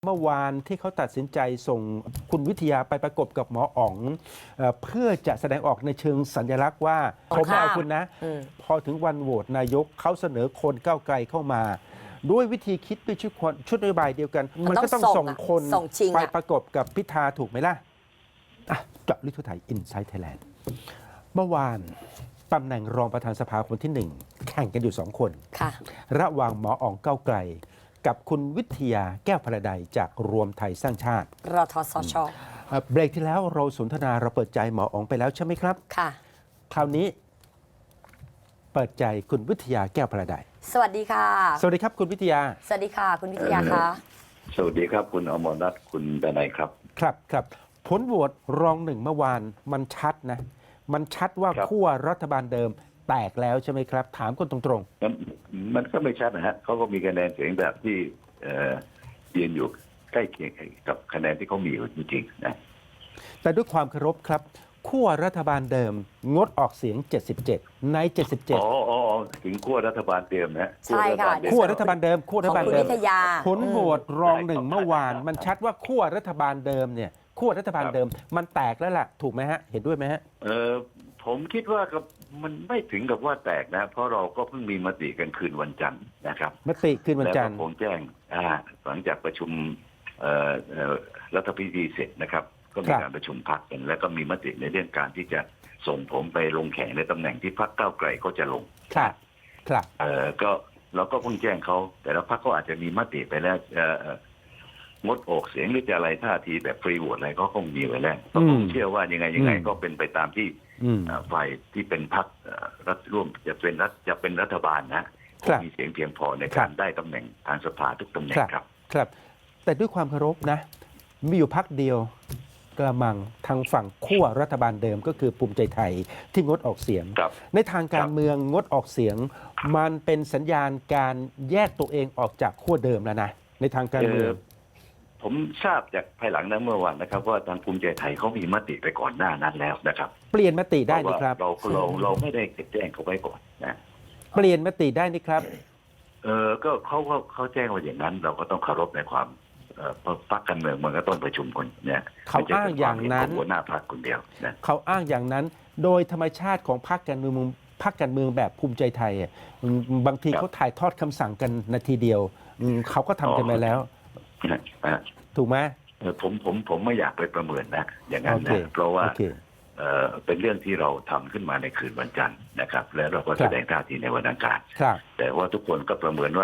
เมื่อวานที่เขาตัดสินใจส่งคุณวิทยาไปประกบกับหมออ๋องเพื่อจะแสดงออกในเชิงสัญลักษณ์ว่าผมไม่เอาคุณนะพอถึงวันโหวตนายกเขาเสนอคนก้าวไกลเข้ามา ด้วยวิธีคิดด้วยชุดนโยบายเดียวกัน มันก็ต้องส่งคนไปประกบกับพิธาถูกไหมล่ะเจาะลึกทั่วไทยอินไซต์ไทยแลนด์เมื่อวานตำแหน่งรองประธานสภาคนที่ 1แข่งกันอยู่2 คนระหว่างหมออ๋องก้าวไกลกับคุณวิทยาแก้วพระใดจากรวมไทยสร้างชาติรทสช. เบรกที่แล้วเราสนทนาเราเปิดใจหมออ๋องไปแล้วใช่ไหมครับค่ะคราวนี้เปิดใจคุณวิทยาแก้วพระใดสวัสดีค่ะสวัสดีครับคุณวิทยาสวัสดีค่ะคุณวิทยาค่ะสวัสดีครับคุณอมรรัตน์คุณดนัยครับครับผลโหวตรอง 1เมื่อวานมันชัดนะมันชัดว่าขั้วรัฐบาลเดิมแตกแล้วใช่ไหมครับถามคนตรงๆมันก็ไม่ชัดนะฮะเขาก็มีคะแนนเสียงแบบที่ยืนอยู่ใกล้เคียงกับคะแนนที่เขามีอยู่จริงๆนะแต่ด้วยความเคารพครับขั้วรัฐบาลเดิมงดออกเสียง77ใน77 ถึงขั้วรัฐบาลเดิมนะใช่ค่ะขั้วรัฐบาลเดิมขั้วรัฐบาลเดิมผลโหวตรอง 1เมื่อวานมันชัดว่าขั้วรัฐบาลเดิมเนี่ยขั้วรัฐบาลเดิมมันแตกแล้วล่ะถูกไหมฮะเห็นด้วยไหมฮะผมคิดว่ามันไม่ถึงกับว่าแตกนะเพราะเราก็เพิ่งมีมติกันคืนวันจันทร์นะครับมติคืนวันจันทร์แล้วก็คงแจ้งหลังจากประชุมรัฐพิธีเสร็จนะครับก็มีการประชุมพรรคกันแล้วก็มีมติในเรื่องการที่จะส่งผมไปลงแข่งในตำแหน่งที่พรรคก้าวไกลก็จะลงครับก็เราก็เพิ่งแจ้งเขาแต่ละพรรคก็อาจจะมีมติไปแล้วงดออกเสียงหรือจะอะไรท่าทีแบบฟรีโหวตอะไรก็คงมีไว้แล้วผมเชื่อว่ายังไงก็เป็นไปตามที่ฝ่ายที่เป็นพรรครัฐร่วมจะเป็นรัฐบาลนะมีเสียงเพียงพอในการได้ตำแหน่งทางสภาทุกตำแหน่งครับแต่ด้วยความเคารพนะมีอยู่พรรคเดียวกระมังทางฝั่งขั้วรัฐบาลเดิมก็คือภูมิใจไทยที่งดออกเสียงในทางการเมืองงดออกเสียงมันเป็นสัญญาณการแยกตัวเองออกจากขั้วเดิมแล้วนะในทางการเมืองผมทราบจากภายหลังนั้นเมื่อวานนะครับว่าทางภูมิใจไทยเขามีมติไปก่อนหน้านั้นแล้วนะครับเปลี่ยนมติได้นี่ครับเราไม่ได้แจ้งเขาไว้ก่อนนะเปลี่ยนมติได้นี่ครับก็เขาแจ้งว่าอย่างนั้นเราก็ต้องเคารพในความพรรคการเมืองมันก็ต้องประชุมคนเนี่ยเขาอ้างอย่างนั้นหัวหน้าพรรคคนเดียวนะเขาอ้างอย่างนั้นโดยธรรมชาติของพรรคการเมืองแบบภูมิใจไทยบางทีเขาถ่ายทอดคำสั่งกันนาทีเดียวเขาก็ทำกันไปแล้วถูกไหมผมไม่อยากไปประเมินนะอย่างนั้นนะเพราะว่าเป็นเรื่องที่เราทำขึ้นมาในคืนวันจันทร์นะครับแล้วเราก็แสดงท่าทีในวันอังคารแต่ว่าทุกคนก็ประเมินว่า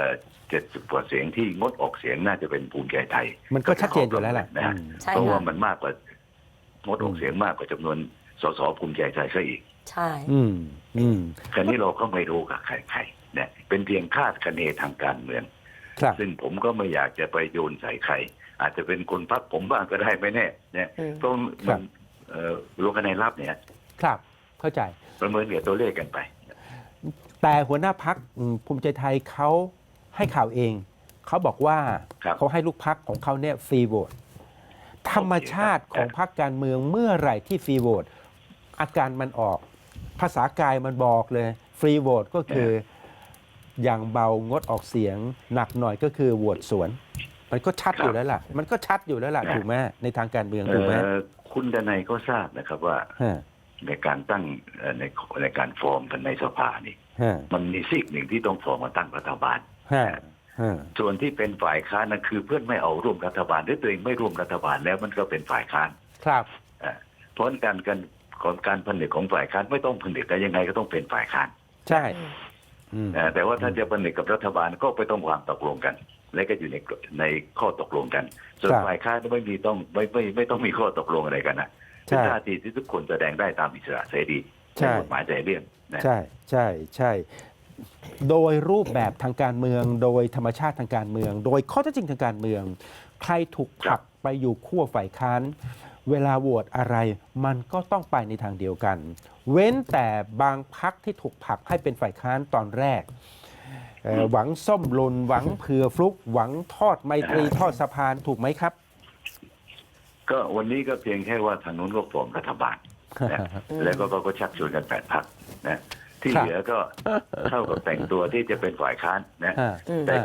70 กว่าเสียงที่งดออกเสียงน่าจะเป็นภูมิใจไทยมันก็ชัดเจนอยู่แล้วแหละนะเพราะว่ามันมากกว่างดออกเสียงมากกว่าจำนวนสสภูมิใจไทยซะอีกใช่คราวนี้เราก็ไม่รู้กับใครเนี่ยเป็นเพียงคาดคะเนทางการเมืองซึ่งผมก็ไม่อยากจะไปโยนใส่ใครอาจจะเป็นคนพรรคผมบ้างก็ได้ไม่แน่เนี่ยต้องมันลงคะแนนลับเนี่ยครับเข้าใจประเมินเกี่ยวตัวเลขกันไปแต่หัวหน้าพรรคภูมิใจไทยเขาให้ข่าวเองเขาบอกว่าเขาให้ลูกพรรคของเขาเนี่ยฟรีโหวตธรรมชาติของพรรคการเมืองเมื่อไหร่ที่ฟรีโหวตอาการมันออกภาษากายมันบอกเลยฟรีโหวตก็คืออย่างเบางดออกเสียงหนักหน่อยก็คือโหวตสวนมันก็ชัดอยู่แล้วล่ะถูกไหมในทางการเมืองถูกไหมคุณดนัยก็ทราบนะครับว่าในการตั้งในการฟอร์มกันในสภานี่มันมีซีกหนึ่งที่ต้องฟอร์มมาตั้งรัฐบาลส่วนที่เป็นฝ่ายค้านนั่นคือเพื่อนไม่เอาร่วมรัฐบาลหรือตัวเองไม่ร่วมรัฐบาลแล้วมันก็เป็นฝ่ายค้านครับเพราะการผลิตของฝ่ายค้านไม่ต้องผลิตแต่ยังไงก็ต้องเป็นฝ่ายค้านใช่แต่ว่าถ้าจะผลิตกับรัฐบาลก็ไปต้องวางตกลงกันและก็อยู่ในข้อตกลงกันส่วนฝ่ายค้านไม่ต้องมีข้อตกลงอะไรกันนะเป็นท่าทีที่ทุกคนแสดงได้ตามอิสระเสรีกฎหมายใจเรื่องใช่โดยรูปแบบทางการเมืองโดยธรรมชาติทางการเมืองโดยข้อเท็จจริงทางการเมืองใครถูกผลักไปอยู่ขั้วฝ่ายค้านเวลาโหวตอะไรมันก็ต้องไปในทางเดียวกันเว้นแต่บางพรรคที่ถูกผลักให้เป็นฝ่ายค้านตอนแรกหวังส้มหล่นหวังเผื่อฟลุกหวังทอดไมตรีทอดสะพานถูกไหมครับก็วันนี้ก็เพียงแค่ว่าทางนู้นก็ฟอร์มรัฐบาลแล้วก็ชักชวนกัน8 พรรคนะที่เหลือก็เท่ากับแต่งตัวที่จะเป็นฝ่ายค้านนะแต่ก็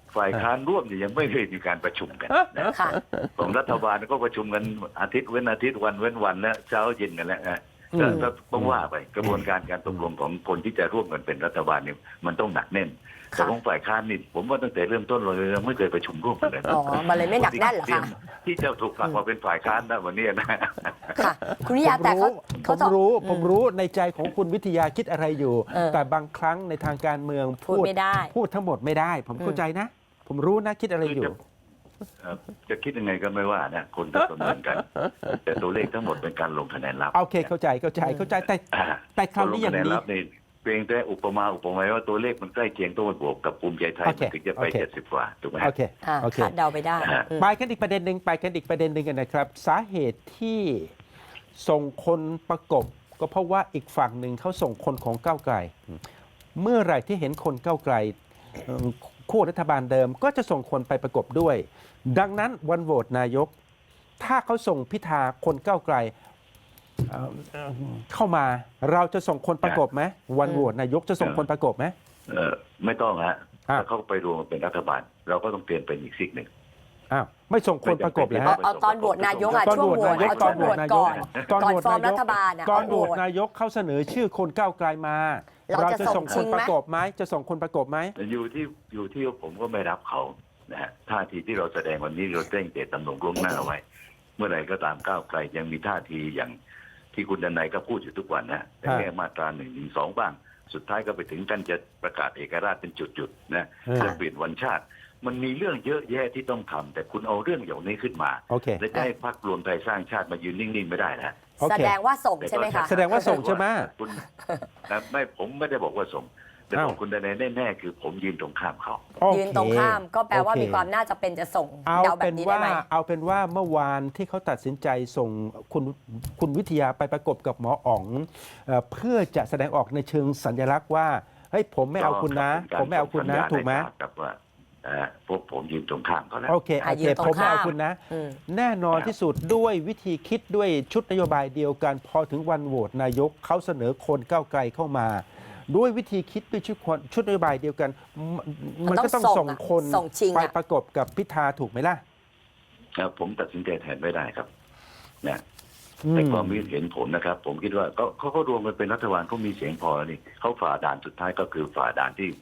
ฝ่ายค้านร่วมเนี่ยยังไม่เคยมีการประชุมกันนะค่ะของรัฐบาลก็ประชุมกันอาทิตย์เว้นอาทิตย์วันเว้นวันแล้วเช้าเย็นกันแล้วนะก็ต้องว่าไปกระบวนการการตกลงของคนที่จะร่วมกันเป็นรัฐบาลเนี่ยมันต้องหนักแน่นแต่ของฝ่ายค้านนี่ผมว่าตั้งแต่เริ่มต้นเรายังไม่เคยประชุมร่วมกันเลยอ๋อ มันเลยไม่หนักแน่นเหรอคะที่จะถูกผลักมาเป็นฝ่ายค้านได้วันนี้นะค่ะ คุณวิทยาแต่เขาจะผมรู้ในใจของคุณวิทยาคิดอะไรอยู่ แต่บางครั้งในทางการเมืองพูดไม่ได้พูดทั้งหมดไม่ได้ ผมเข้าใจนะ ผมรู้นะคิดอะไรอยู่จะคิดยังไงก็ไม่ว่านะคนก็ประเมินกัน แต่ตัวเลขทั้งหมดเป็นการลงคะแนนลับโอเคเข้าใจแต่คราวนี้อย่างลงคะแนนนี้ลับในเพียงแต่อุปมาว่าตัวเลขมันใกล้เคียงต้องมาบวกกับภูมิใจไทยโอเคมันถึงจะไปโอเค 70 กว่าถูกไหมโอเค โอเคคาดเดาไปได้อืมไปกันอีกประเด็นหนึ่งกันนะครับ สาเหตุที่ส่งคนประกบ ก็เพราะว่าอีกฝั่งหนึ่งเขาส่งคนของก้าวไกล เมื่อไหร่ที่เห็นคนก้าวไกลคู่รัฐบาลเดิมก็จะส่งคนไปประกบด้วย ดังนั้นวันโหวตนายก ถ้าเขาส่งพิธาคนก้าวไกลเข้ามา เราจะส่งคนประกบไหมวันโหวตนายกจะส่งคนประกบไหมไม่ต้องฮะอ่ะถ้าเขาไปรวมกันเป็นรัฐบาล เราก็ต้องเปลี่ยนเป็นอีกซีกหนึ่งอ้าวไม่ส่งคนประกบเลยฮะเอาตอนโหวตนายกอะตอนช่วโหงวตโหวตนายกเอาช่วงโหวตก่อนตอนก่อนโหวตฟอร์มนายรักฐบาลอะตอนโหวตเอาโหวตนายกเขาเสนอชื่อคนก้าวไกลมาเราจะส่งคชินงไหมประกบไหมจะส่งคนประกบไหมอยู่ที่ผมก็ไม่รับเขานะฮะท่าทีที่เราแสดงวันนี้เราแจ้งเจตจำนงล่วงหน้าไว้ เมื่อไหร่ก็ตามก้าวไกลยังมีท่าทีอย่างที่คุณดนัยก็พูดอยู่ทุกวันนะแต่แค่มาตรา112บ้างสุดท้ายก็ไปถึงกันจะประกาศเอกราชเป็นจุดๆนะจะเปลี่ยนวันชาติ มันมีเรื่องเยอะแยะที่ต้องทำแต่คุณเอาเรื่องอย่างนี้ขึ้นมาโอเคและจะให้พรรครวมไทยสร้างชาติมายืนนิ่งๆไม่ได้นะโอเคแสดงว่าส่งใช่ไหมคะแสดงว่าส่งใช่ไหมคุณไม่ผมไม่ได้บอกว่าส่งแต่บอกคุณดนัยแน่ๆคือผมยืนตรงข้ามเขาโอเคยืนตรงข้ามก็แปลว่าโอเคมีความน่าจะเป็นจะส่งเอาเดาแบเป็บนนี้ได้ว่าไหมเมื่อวานที่เขาตัดสินใจส่งคุณวิทยาไปประกบกับหมออ๋องเพื่อจะแสดงออกในเชิงสัญลักษณ์ว่าเฮ้ยผมไม่เอาคุณนะ ผมไม่เอาคุณนะถูกไหมกับว่าพวกผมยืนตรงข้ามเขาแล้วโอเคผมไม่เอาคุณนะอืมแน่นอนที่สุดด้วยวิธีคิดด้วยชุดนโยบายเดียวกัน พอถึงวันโหวตนายกเขาเสนอคนก้าวไกลเข้ามา ด้วยวิธีคิดด้วยชุดนโยบายเดียวกัน มันก็ต้องส่งคนส่งชิงไปประกบกับพิธาถูกไหมล่ะผมตัดสินใจแทนไม่ได้ครับนะอืมในความคิดเห็นผมนะครับ ผมคิดว่าเขารวมกันเป็นรัฐบาลเขามีเสียงพอแล้วนี่เขาฝ่าด่านสุดท้ายก็คือฝ่าด่านที่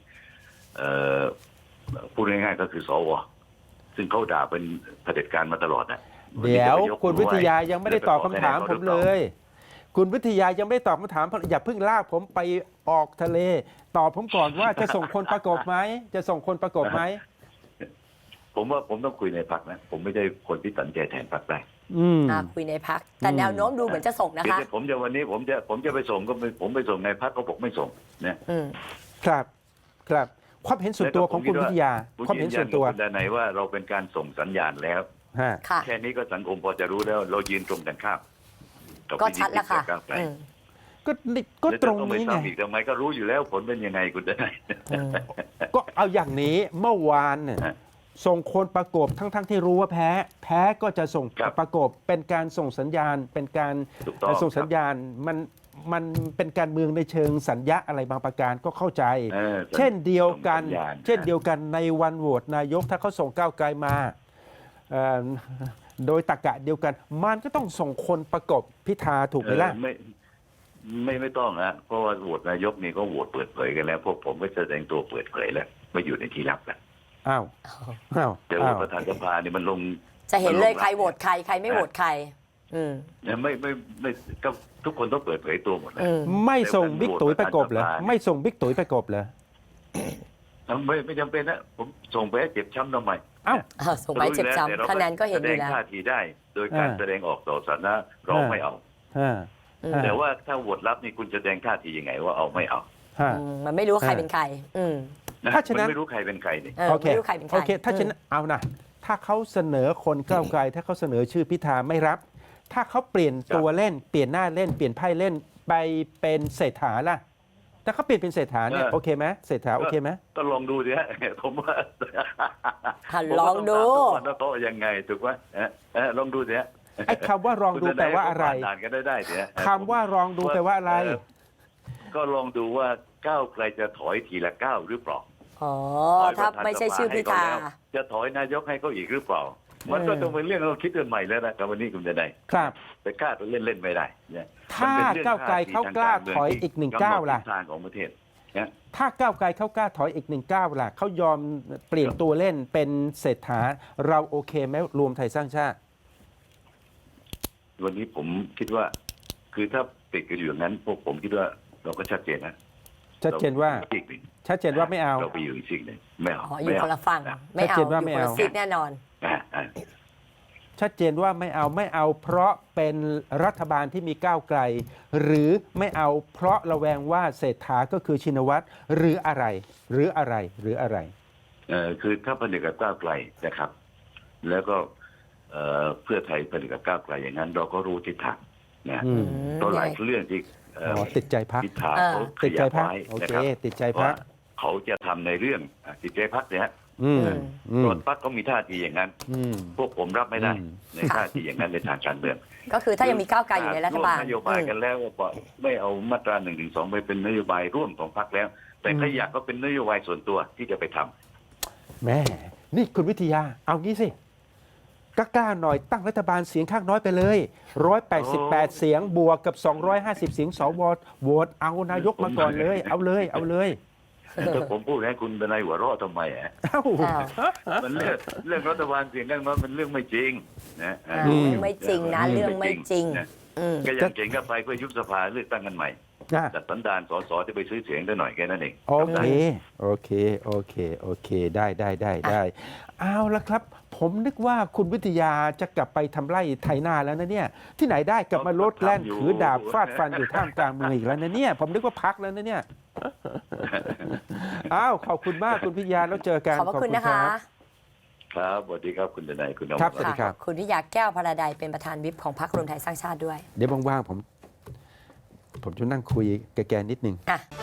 พูดง่ายๆก็คือสวซึ่งเขาด่าเป็นเผด็จการมาตลอดนะเดี๋ยวนนี้จะไปกคุณวิทยายังไม่ได้ตอบคำถามจะผไปมขอเลคะแนนเขาหรือปย คุณวิทยายังไม่ได้ตอบคำถามอย่าเพิ่งลากผมไปออกทะเล ตอบผมก่อนว่าจะส่งคนประกบไหมจะส่งคนประกบไหมผมว่าผมต้องคุยในพรรคนะผมไม่ได้คนที่ตัดสินใจแทนพรรคได้อืมคุยในพักแต่แนวโน้มดูเหมือนจะส่งนะคะคือผมจะวันนี้ผมจะไปส่งก็ผมไปส่งในพรรคก็บอกไม่ส่งนะอืมครับความเห็นส่วนตัวของคุณวิทยาผมความยืเห็นนยัส่วน นตัวกับคุณดนัยว่าเราเป็นการส่งสัญญาณแล้วฮะค่ะแค่นี้ก็สังคมพอจะรู้แล้วเรายืนตรงกันข้ามบก็ชัดแล้วค่ะก้าวไกลอืมก็ตรงแล้วจะอนี้ไม่ไงซ้ำอีกทำไมก็รู้อยู่แล้วผลเป็นยังไงคุณดนัยอืมก็เอาอย่างนี้เมื่อวานเนี่ยฮะส่งคนประกบทั้งที่รู้ว่าแพ้ก็จะส่งครับประกบเป็นการส่งสัญญาณเป็นการถูกต้องส่งสัญญาณมันเป็นการเมืองในเชิงสัญญาอะไรบางประการก็เข้าใจ เช่นเดียวกันส่งสัญญาณเช่นเดียวกันในวันโหวตนายกถ้าเขาส่งก้าวไกลมาเอ่อโดยตรรกะเดียวกัน มันก็ต้องส่งคนประกบพิธาถูกไหมล่ะไม่ต้องนะเพราะว่าโหวตนายกนี่ก็โหวตเปิดเผยกันแล้วพวกผมก็แสดงตัวเปิดเผยแล้วไม่อยู่ในที่ลับแล้วอ้าวอ้าวแต่โหวตประธานสภานี่มันลงจะเห็นเลยใครโหวตใครใครไม่โหวตใคร อืมไม่ก็ทุกคนต้องเปิดเผยตัวหมดเลยอืมไม่ส่งบิ๊กตุ๋ยประกบเหรอไม่ส่งบิ๊กตุ๋ยประกบเหรอไม่จำเป็นนะผมส่งไปให้เจ็บช้ำทำไมอ้าวส่งไปเจ็บช้ำคะแนนก็เห็นอยู่แสดแล้วงท่าทีได้ โดยการแสดงออกต่อสาธารณะเราไม่เอาฮะอืมแต่ว่าถ้าโหวตรับนี่คุณแสดงท่าทียังไงว่าเอาไม่เอาฮะมันไม่รู้ว่าใครเป็นใคร อืมถ้าฉะนั้นมันไม่รู้ใครเป็นใครนี่โอเคไม่รู้ใครเป็นใครโอเค ถ้าฉะนั้นเอานะถ้าเขาเสนอคนก้าวไกล ถ้าเขาเสนอชื่อพิธาไม่รับ ถ้าเขาเปลี่ยนตัวเล่น เปลี่ยนหน้าเล่น เปลี่ยนไพ่เล่นไปเป็นเศรษฐาล่ะ ถ้าเขาเปลี่ยนเป็นเศรษฐาเนี่ยโอเคไหมเศรษฐาโอเคไหมก็ลองดูสิฮะ ผมว่าลองดูผมว่าต้องถามทุกวันว่าเขายังไงถูกไหมลองดูสิฮะไอ้คำว่าลองดูแปลว่าอะไรคุณทนยก็ผ่นด่านกันได้สิฮะคำว่าลองดูแปลว่าอะไรก็ลองดูว่าก้าวไกลจะถอยทีละก้าวหรือเปล่าอ๋อถ้าไม่ใช่ชื่อพิธาจะถอยนายกให้เขาอีกหรือเปล่า มันก็ต้องเป็นเรื่องเราคิดกันใหม่แล้วนะครับวันนี้คุณจะได้ครับไปกล้าตัวเล่นไม่ได้เนี่ยถ้าก้าวไกลเขากล้าถอยอีก1 ก้าวล่ะทางของประเทศนะถ้าก้าวไกลเขากล้าถอยอีก1 ก้าวล่ะเขายอมเปลี่ยนตัวเล่นเป็นเศรษฐาเราโอเคไหมรวมไทยสร้างชาติวันนี้ผมคิดว่า คือถ้าติดกันอยู่อย่างนั้น พวกผมคิดว่าเราก็ชัดเจนนะชัดเจนว่ารอีกหนึ่งชัดเจนว่าไม่เอาเราไปอยู่อีกสิ่งหนึ่งไม่เอาอ๋ออยู่คนละฝั่งนะไม่เอาชัดเจนว่าอยู่ไม่คนละเอาซีกแน่นอนอ่าชัดเจนว่าไม่เอาเพราะเป็นรัฐบาลที่มีก้าวไกล หรือไม่เอาเพราะระแวงว่าเศรษฐาก็คือชินวัตรหรืออะไรคือถ้าผลิตกับก้าวไกลนะครับ แล้วก็เพื่อไทยผลิตกับก้าวไกลอย่างนั้น เราก็รู้ทิศทางนะอืมตัวหลายเรื่องที่ติดใจพักพิธาเขาขติดใจยับพักไว้โอนะเคครับติดใจพัว่าก เขาจะทำในเรื่องติดใจพักเนี่ยฮะอืมอืมส่วนพักก็มีท่าทีอย่างนั้นอืมพวกผมรับไม่ได้อืมในท่าทีอย่างนั้นในทางการเมืองก็คือถ้ายังมีก้าวไกลอยู่ในรัฐบาลวมนโยบายกันแล้วก็ไม่เอามาตรา112ไปเป็นนโยบายร่วมของพรรคแล้ว แต่ขยักก็เป็นนโยบายส่วนตัวที่จะไปทำแม่นี่คุณวิทยาเอางี้สิกล้าๆหน่อยตั้งรัฐบาลเสียงข้างน้อยไปเลย188 เสียงบวกกับ 250 เสียงสวโหวตเอานายกมาก่อนเลยเอาเลยแต่ผมพูดให้คุณเป็นนายหัวเราะทำไมอ่ะเอ้ามันเรื่องรัฐบาลเสียงข้างน้อยมันเรื่องไม่จริงนะอืมไม่จริงนะเรื่องไม่จริงนะอืมก็ยังเก่งก็ไปเพื่อยุบสภาเลือกตั้งกันใหม่จัดสันดานสสที่ไปซื้อเสียงได้หน่อยแค่นั้นเองโอเคได้เอาละครับ ผมนึกว่าคุณวิทยาจะกลับไปทำไร่ไถนาแล้วนะเนี่ยที่ไหนได้กลับมาลดแล่นถือดาบฟาดฟันอยู่ท่ามกลางเมืองอีกแล้วนะเนี่ยผมนึกว่าพักแล้วนะเนี่ยอ้าวขอบคุณมากคุณวิทยาแล้วเจอกันขอบพระคุณนะคะครับสวัสดีครับคุณทนายคุณอมรครับสวัสดีค่ะคุณวิทยาแก้วพราใดเป็นประธานวิปของพรรครวมไทยสร้างชาติด้วยเดี๋ยวว่างๆผมจะนั่งคุยกับแกนิดนึงอ่ะ